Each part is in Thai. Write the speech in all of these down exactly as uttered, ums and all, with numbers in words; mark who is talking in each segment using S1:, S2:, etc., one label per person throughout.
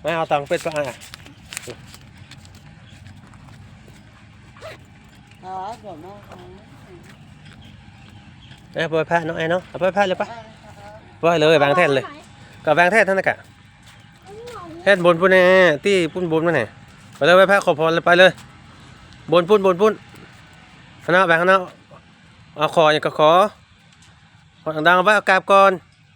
S1: ไม่เอาตังค์เป็ดปะอ่ะ
S2: อ๋อเดี๋ยวมาเอา
S1: เอ้ยไปพาน้องไอ้เนาะเอาไปพาเลยปะไปเลยแบงแท่นเลยกับแบงแท่นท่านนะกะแท่นบนปุ่นแน่ที่ปุ่นบนมาไหนไปเลยไปพาขอพรเลยไปเลยบนปุ่นบนปุ่นคณะแบงคณะเอาขออย่างก็ขอขอดังๆเอาไว้เอากราบก่อน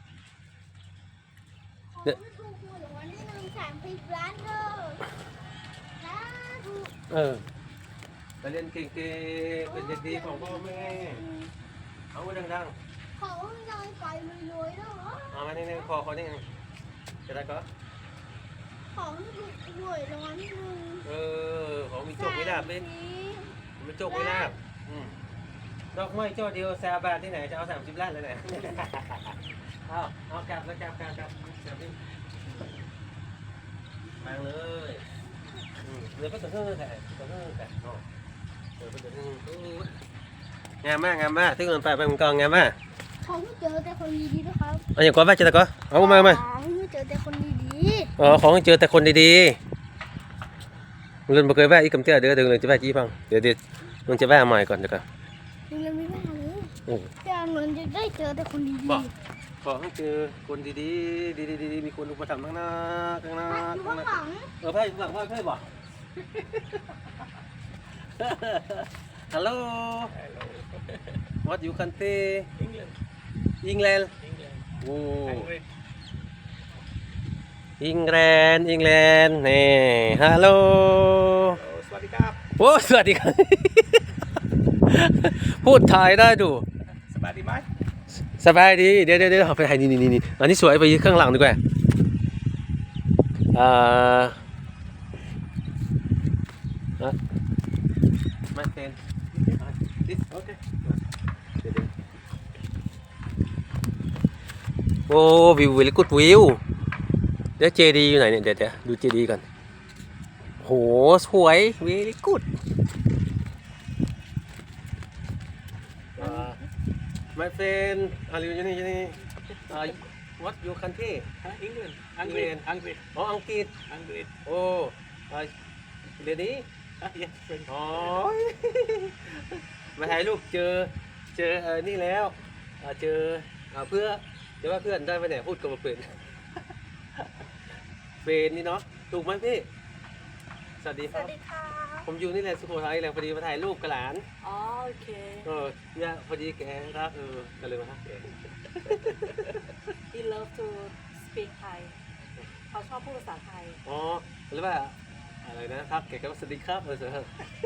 S1: เออไปเรียนเก่งๆเป็นเด็กดีของพ่อแม่เอาไว้ดังๆ
S3: ขอให้ยายไปรวยๆแล้วเหรอ
S1: เอามานี่ๆคอคอนี่ไงจะได้ก็
S3: ขอให้ถูกหวยรางวัลที่หนึ่ง
S1: เออของมีโจกไม่ลาบเป็นมีโจกไม่ลาบอืมดอกไม้เจ้าเดียวแซวบาทที่ไหนจะเอาสามสิบล้านเลยไหน เอาเอากลับแล้วกลับกลับกลับกลับนี่มาเลยอืมเดี๋ยวก็จะเฮือแต่จะเฮือแต่เนาะเดี๋ยวก็จะเฮืองามมากงามมากที่เงินไปไปมันกองงามมาก
S3: ขอให้เจอแต่คนดีๆนะครับ
S1: เอาอย่างก่อนไปเจอแต่ก็เอามามา
S3: ขอให้เจอแต่คนดี
S1: อ๋อของเจอแต่คนดีๆเงินบ่เคยแวะอีกคำเตี้ยเดี๋ยวเดี๋ยวเงินจะแวะจี้ฟังเดี๋ยวเดี๋ยวมึงจะแวะใหม่ก่อนเดี๋ยวก่อน
S3: ๆยังไม่ว่าเลย
S1: โอ้
S3: แต่เงินจะได้เจอแต่คนดี
S1: บอกขอให้เจอคนดีๆดีๆดีๆมีคนอุปถัมภ์ข้างหน้าข้างหน้า
S3: ๆอยู่
S1: ข้างหน้า
S3: ข้างหลัง
S1: เออเพื่อนหลังว่าเพื่อนบอก ฮัลโหล what you country
S4: England.
S1: England
S4: England.
S1: โอ้
S4: Angry.
S1: อังกฤษอังกฤษนี่ฮัลโหล
S4: Oh, swaddy kap.
S1: โอ้สวัสดีครับ พูดไทยได้ดู
S4: Swaddy mai.
S1: สบายดีเดี๋ยวเดี๋ยวเดี๋ยวไปถ่ายนี่นี่นี่อันนี้สวยไปยืนข้างหลังดีกว่าอ่าไม่เป็น this okay โอ้วิววิวกุดวิวเดี๋ยวเจดีอยู่ไหนเนี่ยเดี๋ยวเดี๋ยวดูเจดีก่อนโหสวยวิวกุด my friend are you นี่นี่ what your country
S4: Huh? England. Angry.
S1: England.
S4: Angry.
S1: อ๋ออังกฤษ
S4: Angry.
S1: โอ้เดี๋ยวนี้
S4: Ah, yes, friend.
S1: อ๋อ มาถ่ายรูปเจอเจอเออนี่แล้วเอ่อเจอเอ่อเพื่อจะว่าเพื่อนได้ไหมเนี่ยพูดกับเพื่อนเฟรนนี่เนาะถูกไหมพี่สวัสดี
S3: ส
S1: ครั
S3: วั
S1: บ
S3: สดีค่ะ
S1: ผมอยู่นี่แหละสุโขทัยแหละพอดีมาถ่ายรูปกับหลาน
S2: อ๋อโอเค
S1: เออเนี่ยพอดีแกครับเออก็เลยมาทักแก
S2: he love to speak Thai เขาชอบพูดภาษาไทย
S1: อ๋อหรือว่าอะไรนะทักแกก็ว่าสวัสดีครับเออเสร็จ